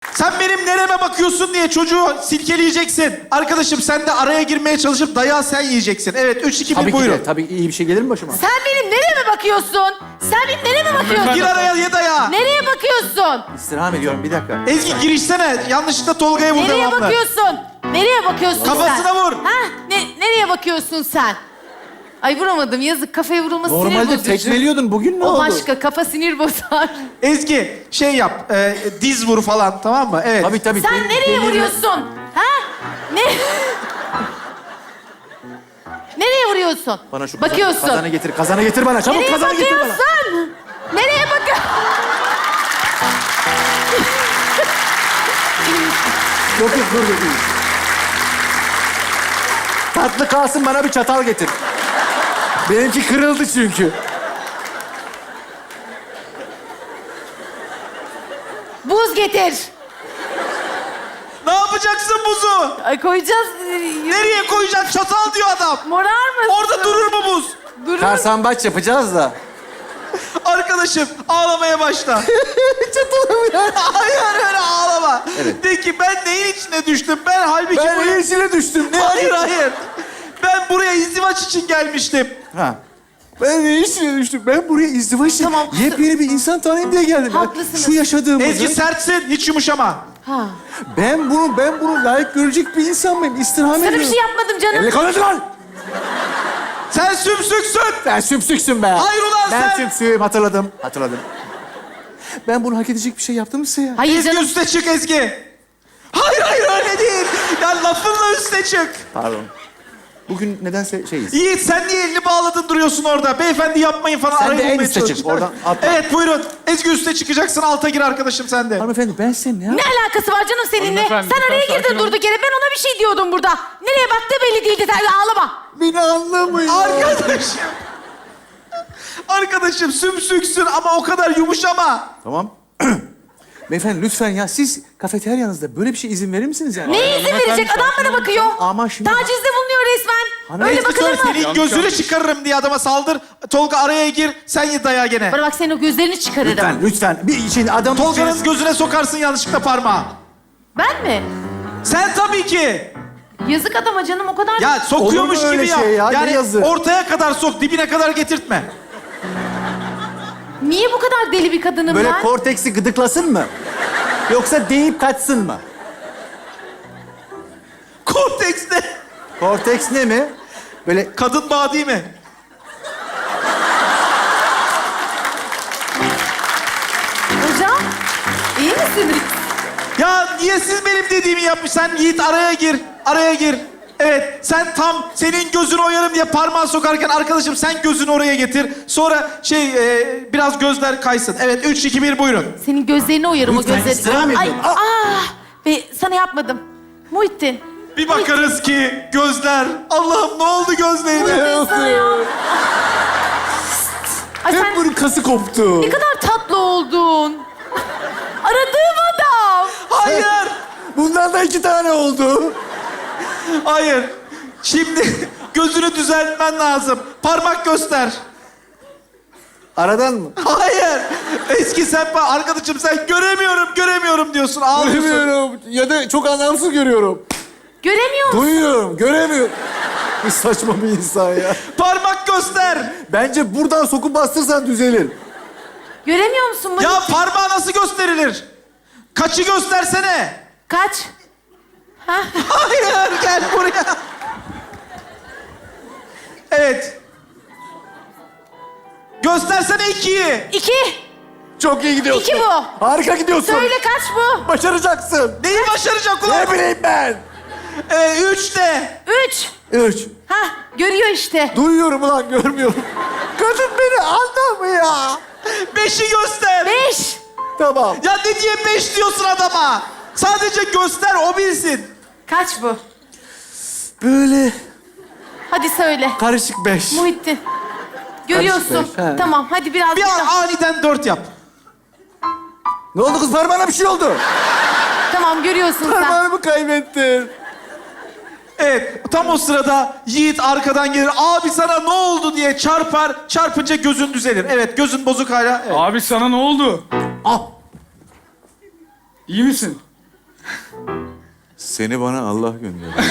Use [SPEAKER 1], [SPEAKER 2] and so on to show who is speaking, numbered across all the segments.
[SPEAKER 1] Sen benim nereme bakıyorsun diye çocuğu silkeleyeceksin. Arkadaşım sen de araya girmeye çalışıp dayağı sen yiyeceksin. Evet, 3, 2, 1
[SPEAKER 2] Tabii ki
[SPEAKER 1] buyurun.
[SPEAKER 2] de. Tabii iyi bir şey gelir mi başıma?
[SPEAKER 3] Sen benim nereye bakıyorsun? Sen benim nereye bakıyorsun?
[SPEAKER 1] Gir araya ye dayağı.
[SPEAKER 3] Nereye bakıyorsun?
[SPEAKER 2] İstirham ediyorum, bir dakika.
[SPEAKER 1] Ezgi girişsene. Yanlışlıkla Tolga'ya vur
[SPEAKER 3] Nereye
[SPEAKER 1] devamlı.
[SPEAKER 3] bakıyorsun? Nereye bakıyorsun
[SPEAKER 1] Kafasına
[SPEAKER 3] sen?
[SPEAKER 1] vur.
[SPEAKER 3] Ha? Nereye bakıyorsun sen? Ay vuramadım. Yazık, kafaya vurulması sinir
[SPEAKER 2] Normalde
[SPEAKER 3] bozucu.
[SPEAKER 2] tekmeliyordun, bugün ne
[SPEAKER 3] O
[SPEAKER 2] oldu?
[SPEAKER 3] başka, kafa sinir bozar.
[SPEAKER 1] Ezgi şey yap. Diz vur falan, tamam mı? Evet.
[SPEAKER 2] Tabii.
[SPEAKER 3] Sen nereye vuruyorsun? Ha? Ne? Nereye vuruyorsun?
[SPEAKER 2] Bana şu
[SPEAKER 3] bakıyorsun.
[SPEAKER 2] kazanı getir bana. Çabuk
[SPEAKER 3] Nereye
[SPEAKER 2] kazanı getir bana.
[SPEAKER 3] bakıyorsun? Nereye bakıyorsun?
[SPEAKER 2] Yok, dur. Tatlı kalsın, bana bir çatal getir. Benimki kırıldı çünkü.
[SPEAKER 3] Buz getir.
[SPEAKER 1] Ne yapacaksın buzu?
[SPEAKER 3] Ay koyacağız.
[SPEAKER 1] Nereye koyacaksın? Çatal diyor adam.
[SPEAKER 3] Morar mısın?
[SPEAKER 1] Orada durur mu buz?
[SPEAKER 3] Durur.
[SPEAKER 2] Karsambaç yapacağız da.
[SPEAKER 1] Arkadaşım ağlamaya başla.
[SPEAKER 2] Çatalım ya.
[SPEAKER 1] Hayır öyle ağlama.
[SPEAKER 2] Evet.
[SPEAKER 1] De ki ben neyin içine düştüm? Ben halbuki
[SPEAKER 2] Ben
[SPEAKER 1] buraya...
[SPEAKER 2] içine düştüm. Ne
[SPEAKER 1] Hayır. Ben buraya izdivaç için gelmiştim.
[SPEAKER 2] Ha. Ben ne işine düştüm? Ben buraya izdivaç için
[SPEAKER 3] Tamam.
[SPEAKER 2] yepyeni bir insan tanıyayım diye geldim.
[SPEAKER 3] Haklısınız.
[SPEAKER 2] Şu yaşadığımızı...
[SPEAKER 1] Ezgi sertsin, hiç yumuşama.
[SPEAKER 3] Ha.
[SPEAKER 2] Ben bunu layık görecek bir insan mıyım? İstirham
[SPEAKER 3] Sana
[SPEAKER 2] ediyorum.
[SPEAKER 3] bir şey yapmadım canım.
[SPEAKER 2] Elle konuş lan!
[SPEAKER 1] Sen sümsüksün.
[SPEAKER 2] Ben sümsüksün be.
[SPEAKER 1] Hayır ulan
[SPEAKER 2] ben
[SPEAKER 1] sen.
[SPEAKER 2] sümsüğüm, hatırladım. Ben bunu hak edecek bir şey yaptım mı size ya?
[SPEAKER 3] Hayır
[SPEAKER 1] Ezgi
[SPEAKER 3] canım.
[SPEAKER 1] üste çık Ezgi. Hayır öyle değil. Ya lafınla üste çık.
[SPEAKER 2] Pardon. Bugün nedense şeyiz.
[SPEAKER 1] Yiğit sen niye elini bağladın duruyorsun orada? Beyefendi yapmayın falan.
[SPEAKER 2] Sen
[SPEAKER 1] arayı
[SPEAKER 2] de en
[SPEAKER 1] bulmaya
[SPEAKER 2] üste çık,
[SPEAKER 1] çalış.
[SPEAKER 2] oradan atla.
[SPEAKER 1] Evet buyurun. Ezgi üste çıkacaksın, alta gir arkadaşım sen de.
[SPEAKER 2] Hanımefendi ben size ne
[SPEAKER 3] Ne alakası var canım seninle?
[SPEAKER 4] Hanımefendi,
[SPEAKER 3] Sen araya
[SPEAKER 4] lütfen
[SPEAKER 3] girdin
[SPEAKER 4] sakin olun.
[SPEAKER 3] durduk yere. Ben ona bir şey diyordum burada. Nereye baktığı belli değildi. Sen de ağlama.
[SPEAKER 2] Beni anlamıyor.
[SPEAKER 1] Arkadaşım. Arkadaşım sümsüksün ama o kadar yumuşama.
[SPEAKER 2] Tamam. Beyefendi lütfen ya, siz kafeteryanızda böyle bir şey izin verir misiniz yani?
[SPEAKER 3] Neye izin verecek? Adam bana bakıyor.
[SPEAKER 2] Ama şimdi-
[SPEAKER 3] Tacizde bulunuyor resmen.
[SPEAKER 2] Hanım,
[SPEAKER 3] Öyle
[SPEAKER 1] Ezgi
[SPEAKER 3] bakılır
[SPEAKER 1] söyle,
[SPEAKER 3] mı?
[SPEAKER 1] senin gözünü çıkarırım diye adama saldır. Tolga araya gir, sen ye dayağı gene.
[SPEAKER 3] Bana bak, senin o gözlerini çıkarırım.
[SPEAKER 2] Lütfen. Bir şey adam...
[SPEAKER 1] Tolga'nın gözüne sokarsın yanlışlıkla parmağı.
[SPEAKER 3] Ben mi?
[SPEAKER 1] Sen tabii ki.
[SPEAKER 3] Yazık adama canım, o kadar...
[SPEAKER 1] Ya sokuyormuş
[SPEAKER 2] Olur mu öyle
[SPEAKER 1] gibi yap.
[SPEAKER 2] şey ya? Ne
[SPEAKER 1] Yani
[SPEAKER 2] yazık?
[SPEAKER 1] ortaya kadar sok, dibine kadar getirtme.
[SPEAKER 3] Niye bu kadar deli bir kadınım
[SPEAKER 2] Böyle
[SPEAKER 3] ben?
[SPEAKER 2] korteksi gıdıklasın mı? Yoksa deyip kaçsın mı?
[SPEAKER 1] Konteks ne?
[SPEAKER 2] Korteks ne mi? Böyle
[SPEAKER 1] Kadın bağı değil mi?
[SPEAKER 3] Hocam, iyi misiniz?
[SPEAKER 1] Ya niye siz benim dediğimi yapmış? Sen Yiğit araya gir, araya gir. Evet, sen tam senin gözünü oyarım diye parmağı sokarken arkadaşım sen gözünü oraya getir. Sonra biraz gözler kaysın. Evet, 3, 2, 1 buyurun.
[SPEAKER 3] Senin gözlerini oyarım o
[SPEAKER 2] Lütfen,
[SPEAKER 3] gözlerini.
[SPEAKER 2] istirham
[SPEAKER 3] Ay,
[SPEAKER 2] ediyorum.
[SPEAKER 3] Ve sana yapmadım. Muhittin.
[SPEAKER 1] Bir bakarız ki gözler... Allah'ım ne oldu gözlerine?
[SPEAKER 3] Muhittin sana ya. Ay
[SPEAKER 2] hep
[SPEAKER 3] sen
[SPEAKER 2] bunun kası koptu.
[SPEAKER 3] ne kadar tatlı oldun. Aradığım adam.
[SPEAKER 1] Hayır,
[SPEAKER 2] Bundan da 2 tane oldu.
[SPEAKER 1] hayır. Şimdi gözünü düzeltmen lazım. Parmak göster.
[SPEAKER 2] Aradan mı?
[SPEAKER 1] Hayır. Eski sen arkadaşım sen göremiyorum diyorsun. Ağlıyorsun.
[SPEAKER 2] Göremiyorum. Ya da çok anlamsız görüyorum.
[SPEAKER 3] Göremiyor musun?
[SPEAKER 2] Duyuyorum, göremiyorum. Bir saçma bir insan ya.
[SPEAKER 1] Parmak göster.
[SPEAKER 2] Bence buradan sokup bastırsan düzelir.
[SPEAKER 3] Göremiyor musun bunu?
[SPEAKER 1] Ya parmağı nasıl gösterilir? Kaçı göstersene.
[SPEAKER 3] Kaç? Ha?
[SPEAKER 1] Hayır gel buraya. Evet. Göstersene 2'yi.
[SPEAKER 3] 2.
[SPEAKER 2] Çok iyi gidiyorsun.
[SPEAKER 3] 2 bu.
[SPEAKER 2] Harika gidiyorsun.
[SPEAKER 3] Söyle kaç bu?
[SPEAKER 2] Başaracaksın.
[SPEAKER 1] Neyi başaracak ulan?
[SPEAKER 2] Ne bileyim ben.
[SPEAKER 1] 3 de.
[SPEAKER 3] 3.
[SPEAKER 2] 3.
[SPEAKER 3] Ha, görüyor işte.
[SPEAKER 2] Duyuyorum ulan, görmüyorum. Kadın beni anlamıyor.
[SPEAKER 1] 5'i göster.
[SPEAKER 3] 5.
[SPEAKER 2] Tamam.
[SPEAKER 1] Ya ne diye 5 diyorsun adama? Sadece göster o bilsin.
[SPEAKER 3] Kaç bu?
[SPEAKER 2] Böyle
[SPEAKER 3] Hadi söyle.
[SPEAKER 2] karışık 5.
[SPEAKER 3] Muhittin. Görüyorsun.
[SPEAKER 2] beş, he.
[SPEAKER 3] Tamam, hadi biraz
[SPEAKER 1] Bir
[SPEAKER 3] daha.
[SPEAKER 1] an aniden 4 yap.
[SPEAKER 2] Ne oldu kız, parmağına bir şey oldu.
[SPEAKER 3] Tamam, görüyorsun sen.
[SPEAKER 2] Parmağımı kaybettin.
[SPEAKER 1] Evet, tam o sırada Yiğit arkadan gelir. Abi sana ne oldu diye çarpar. Çarpınca gözün düzelir. Evet, gözün bozuk hala. Evet.
[SPEAKER 4] Abi sana ne oldu?
[SPEAKER 2] Ah.
[SPEAKER 4] İyi misin?
[SPEAKER 2] Seni bana Allah gönderdi.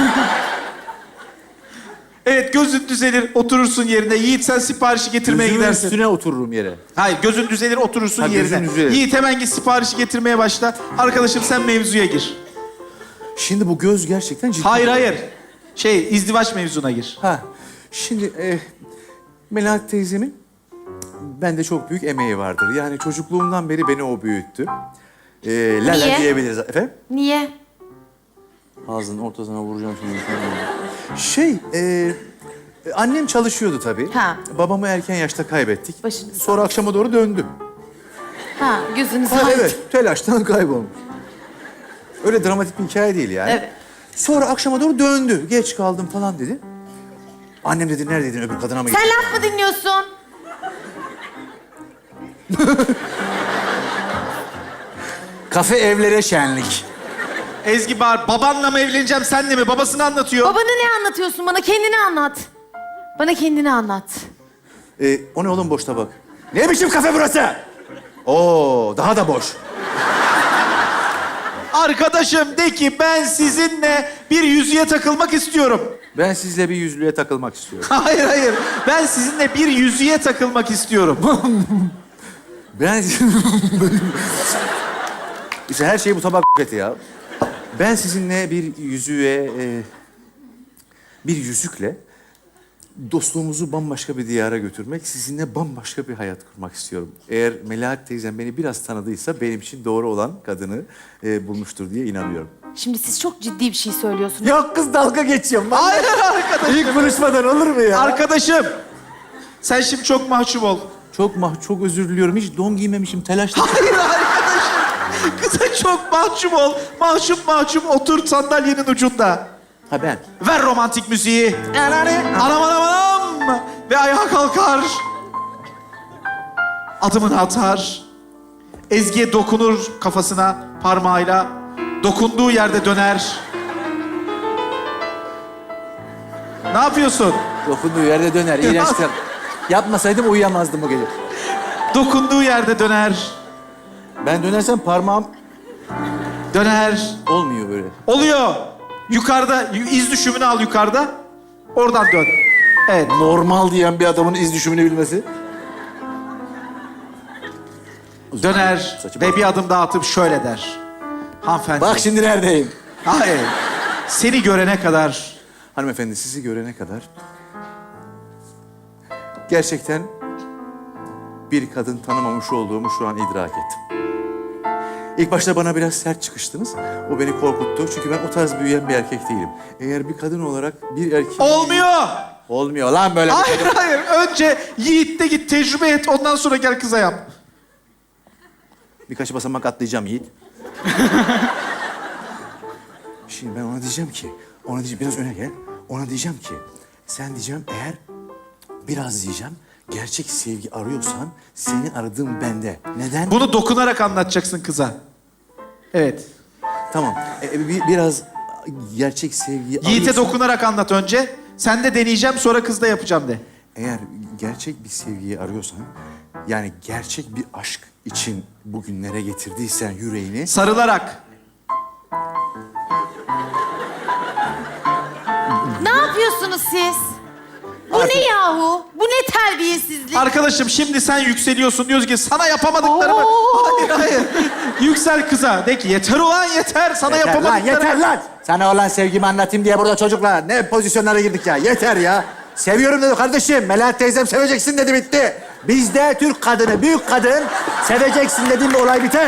[SPEAKER 1] Evet, gözün düzelir, oturursun yerine. Yiğit, sen siparişi getirmeye
[SPEAKER 2] Gözümün
[SPEAKER 1] gidersin.
[SPEAKER 2] üstüne otururum yere.
[SPEAKER 1] Hayır, gözün düzelir, oturursun
[SPEAKER 2] Ha, gözün
[SPEAKER 1] yerine.
[SPEAKER 2] düzelir.
[SPEAKER 1] Yiğit, hemen git siparişi getirmeye başla. Arkadaşım, sen mevzuya gir.
[SPEAKER 2] Şimdi bu göz gerçekten ciddi.
[SPEAKER 1] Hayır. İzdivaç mevzuna gir.
[SPEAKER 2] Ha, şimdi Melahat teyzemin bende çok büyük emeği vardır. Yani çocukluğumdan beri beni o büyüttü. Lala
[SPEAKER 3] Niye?
[SPEAKER 2] diyebiliriz. Efendim?
[SPEAKER 3] Niye?
[SPEAKER 2] Ağzının ortasına vuracağım şimdi. Annem çalışıyordu tabii.
[SPEAKER 3] Ha.
[SPEAKER 2] Babamı erken yaşta kaybettik.
[SPEAKER 3] Başınız
[SPEAKER 2] Sonra akşama doğru döndü.
[SPEAKER 3] Ha, gözünüz
[SPEAKER 2] Ha,
[SPEAKER 3] aydın.
[SPEAKER 2] evet, telaştan kaybolmuş. Öyle dramatik bir hikaye değil yani.
[SPEAKER 3] Evet.
[SPEAKER 2] Sonra akşama doğru döndü. Geç kaldım falan dedi. Annem dedi, neredeydin, öbür kadına mı
[SPEAKER 3] Sen
[SPEAKER 2] gittin?
[SPEAKER 3] laf mı dinliyorsun?
[SPEAKER 2] Kafe evlere şenlik.
[SPEAKER 1] Ezgi bağır, babanla mı evleneceğim, senle mi? Babasını anlatıyor.
[SPEAKER 3] Babanı ne anlatıyorsun bana? Kendini anlat. Bana kendini anlat.
[SPEAKER 2] O ne oğlum boş tabak? Ne biçim kafe burası? Oo, daha da boş.
[SPEAKER 1] Arkadaşım, de ki ben sizinle bir yüzüğe takılmak istiyorum.
[SPEAKER 2] Ben sizle bir yüzlüğe takılmak istiyorum.
[SPEAKER 1] Hayır. Ben sizinle bir yüzüğe takılmak istiyorum.
[SPEAKER 2] Ben... İşte her şey bu tabak eti ya. Ben sizinle bir yüzüğe... bir yüzükle dostluğumuzu bambaşka bir diyara götürmek, sizinle bambaşka bir hayat kurmak istiyorum. Eğer Melahat teyzem beni biraz tanıdıysa benim için doğru olan kadını bulmuştur diye inanıyorum.
[SPEAKER 3] Şimdi siz çok ciddi bir şey söylüyorsunuz.
[SPEAKER 2] Yok kız, dalga geçiyorum.
[SPEAKER 1] Hayır arkadaşım.
[SPEAKER 2] İlk buluşmadan olur mu ya?
[SPEAKER 1] Arkadaşım, sen şimdi çok mahcup ol.
[SPEAKER 2] Çok özür diliyorum. Hiç don giymemişim, telaşla.
[SPEAKER 1] Hayır arkadaşım. Kıza çok mahcup ol. Mahcup otur sandalyenin ucunda.
[SPEAKER 2] Ha ben.
[SPEAKER 1] Ver romantik müziği. Anam. Ve ayağa kalkar. Adımını atar. Ezgi'ye dokunur kafasına parmağıyla. Dokunduğu yerde döner. Ne yapıyorsun?
[SPEAKER 2] Dokunduğu yerde döner. İğrençtir. Yapmasaydım uyuyamazdım bu gece.
[SPEAKER 1] Dokunduğu yerde döner.
[SPEAKER 2] Ben dönersem parmağım
[SPEAKER 1] Döner.
[SPEAKER 2] olmuyor böyle.
[SPEAKER 1] Oluyor. Yukarıda, iz düşümünü al yukarıda. Oradan dön. Evet.
[SPEAKER 2] Normal diyen bir adamın iz düşümünü bilmesi.
[SPEAKER 1] Döner
[SPEAKER 2] Saçı
[SPEAKER 1] ve bir adım daha atıp şöyle der. Hanımefendi.
[SPEAKER 2] Bak şimdi neredeyim?
[SPEAKER 1] Hayır. Seni görene kadar
[SPEAKER 2] Hanımefendi, sizi görene kadar gerçekten bir kadın tanımamış olduğumu şu an idrak ettim. İlk başta bana biraz sert çıkıştınız. O beni korkuttu. Çünkü ben o tarz büyüyen bir erkek değilim. Eğer bir kadın olarak bir erkek...
[SPEAKER 1] olmuyor.
[SPEAKER 2] Olmuyor lan böyle.
[SPEAKER 1] Hayır. Önce Yiğit'te git tecrübe et. Ondan sonra gel kıza yap.
[SPEAKER 2] Birkaç basamak atlayacağım Yiğit. Şimdi ben ona diyeceğim ki... biraz öne gel. Ona diyeceğim ki... Sen diyeceğim, eğer biraz diyeceğim... Gerçek sevgi arıyorsan seni aradığım bende. Neden?
[SPEAKER 1] Bunu dokunarak anlatacaksın kıza. Evet.
[SPEAKER 2] Tamam. Biraz gerçek sevgiyi
[SPEAKER 1] Yiğit'e
[SPEAKER 2] arıyorsan-
[SPEAKER 1] dokunarak anlat önce. Sen de deneyeceğim, sonra kızda yapacağım de.
[SPEAKER 2] Eğer gerçek bir sevgiyi arıyorsan... Yani gerçek bir aşk için bugünlere getirdiysen yüreğini...
[SPEAKER 1] Sarılarak.
[SPEAKER 3] Ne yapıyorsunuz siz? Bu ne yahu? Bu ne terbiyesizlik?
[SPEAKER 1] Arkadaşım, şimdi sen yükseliyorsun. Diyorsun ki sana yapamadıklarımı...
[SPEAKER 3] Oo.
[SPEAKER 1] Hayır. Yüksel kıza. De ki yeter ulan yeter. Sana
[SPEAKER 2] Yeter lan,
[SPEAKER 1] yapamadıklarımı...
[SPEAKER 2] yeter lan! Sana olan sevgimi anlatayım diye burada çocuklar ne pozisyonlara girdik ya. Yeter ya. Seviyorum dedi kardeşim. Melahat teyzem seveceksin dedi, bitti. Bizde Türk kadını, büyük kadın seveceksin dediğim bir olay biter.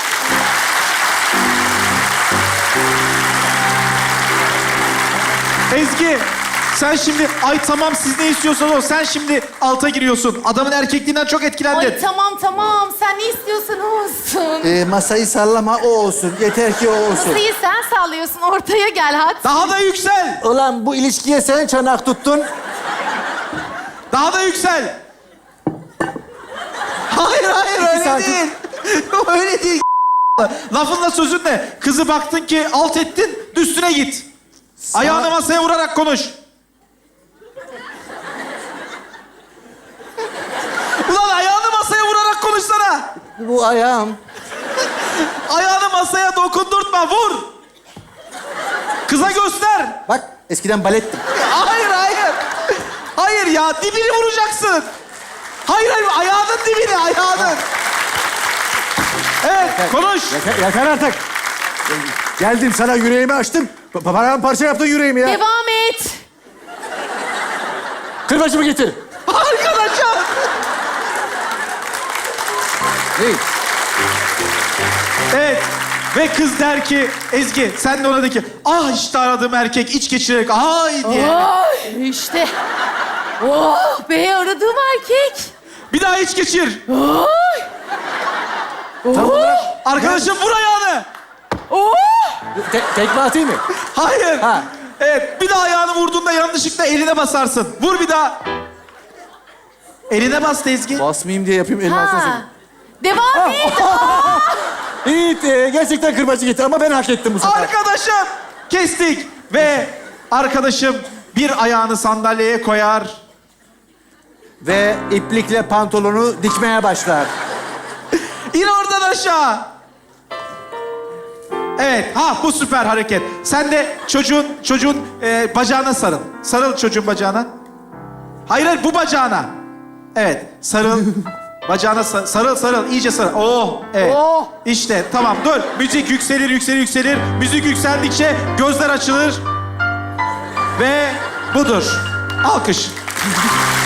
[SPEAKER 1] Ezgi, sen şimdi ay tamam siz ne istiyorsanız o. Sen şimdi alta giriyorsun. Adamın erkekliğinden çok etkilendin.
[SPEAKER 3] Ay tamam. Sen ne istiyorsan o olsun.
[SPEAKER 2] Masayı sallama, o olsun. Yeter ki o olsun.
[SPEAKER 3] Masayı sen sallıyorsun. Ortaya gel hadi.
[SPEAKER 1] Daha da yüksel.
[SPEAKER 2] Ulan bu ilişkiye sen çanak tuttun.
[SPEAKER 1] Daha da yüksel. Hayır öyle
[SPEAKER 2] santim.
[SPEAKER 1] değil. Öyle değil. Lafınla sözünle. Kızı baktın ki alt ettin, üstüne git. Ayağını masaya vurarak konuş. Ulan ayağını masaya vurarak konuşsana.
[SPEAKER 2] Bu ayağım.
[SPEAKER 1] Ayağını masaya dokundurtma, vur. Kıza göster.
[SPEAKER 2] Bak eskiden balettim.
[SPEAKER 1] Hayır, hayır. Hayır ya, dibini vuracaksın. Hayır, hayır, ayağının dibini, ayağının. Evet, konuş.
[SPEAKER 2] Yeter artık. Geldim sana yüreğimi açtım. Paramparça yaptın yüreğimi ya.
[SPEAKER 3] Devam et.
[SPEAKER 2] Kırbaçımı getir.
[SPEAKER 1] Arkadaşım.
[SPEAKER 2] Hey.
[SPEAKER 1] Evet. Ve kız der ki, Ezgi sen de ona de ki, ah işte aradığım erkek iç geçirerek ay diye.
[SPEAKER 3] Ay, işte. Oh be, aradığım erkek.
[SPEAKER 1] Bir daha iç geçir.
[SPEAKER 3] Ay.
[SPEAKER 2] Tam olarak
[SPEAKER 1] Arkadaşım vur ayağını.
[SPEAKER 3] Oh.
[SPEAKER 2] tekme atayım mı?
[SPEAKER 1] Hayır.
[SPEAKER 2] Ha.
[SPEAKER 1] Evet, bir daha ayağını vurduğunda yanlışlıkla eline basarsın. Vur bir daha. Eline bas Ezgi.
[SPEAKER 2] Basmayayım diye yapayım elini alsana.
[SPEAKER 3] Ha. Devam et.
[SPEAKER 2] İyi, gerçekten kırbacı getir ama ben hak ettim bu sefer.
[SPEAKER 1] Arkadaşım. Kestik. Ve arkadaşım bir ayağını sandalyeye koyar.
[SPEAKER 2] Ve iplikle pantolonu dikmeye başlar.
[SPEAKER 1] İn oradan aşağı. Evet, ha bu süper hareket. Sen de çocuğun bacağına sarıl. Sarıl çocuğun bacağına. Hayır, hayır, bu bacağına. Evet, sarıl. Bacağına sarıl, iyice sarıl. Oh, evet.
[SPEAKER 3] Oh.
[SPEAKER 1] İşte, tamam, dur. Müzik yükselir. Müzik yükseldikçe gözler açılır. Ve budur. Alkış.